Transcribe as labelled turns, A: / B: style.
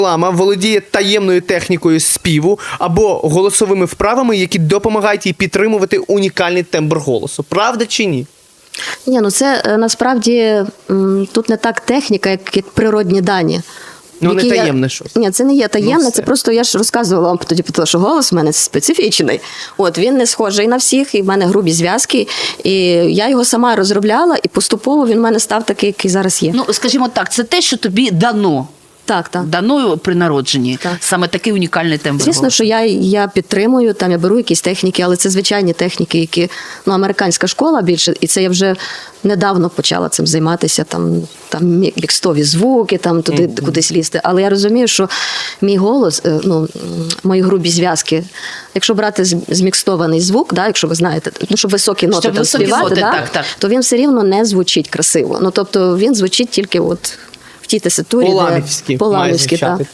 A: Лама володіє таємною технікою співу або голосовими вправами, які допомагають їй підтримувати унікальний тембр голосу. Правда чи ні?
B: Ні, ну це насправді тут не так техніка, як природні дані.
A: Ну, не
B: які
A: таємне щось.
B: Ні, це не є таємне,
A: Ну,
B: це просто я ж розказувала вам тоді про те, що голос в мене специфічний. От, він не схожий на всіх, і в мене грубі зв'язки. І я його сама розробляла, і поступово він в мене став такий, який зараз є.
C: Ну, скажімо так, це те, що тобі дано.
B: Так, так.
C: Дано при народженні.
B: Так.
C: Саме такий унікальний тембр
B: Звісно,
C: голосу.
B: що я підтримую, там я беру якісь техніки, але це звичайні техніки, які, ну, американська школа більше, і це я вже недавно почала цим займатися, там мікстові звуки, там туди кудись лізти. Але я розумію, що мій голос, ну, мої грубі зв'язки, якщо брати змікстований звук, да, якщо ви знаєте, ну, щоб високі ноти
C: Щоб
B: там
C: високі
B: співати,
C: ноти,
B: да,
C: так.
B: то він все рівно не звучить красиво. Ну, тобто він звучить тільки от в тій теситурі,
A: По-ламівськи
B: де
A: має
B: по-ламівськи,
A: звучати.
B: так.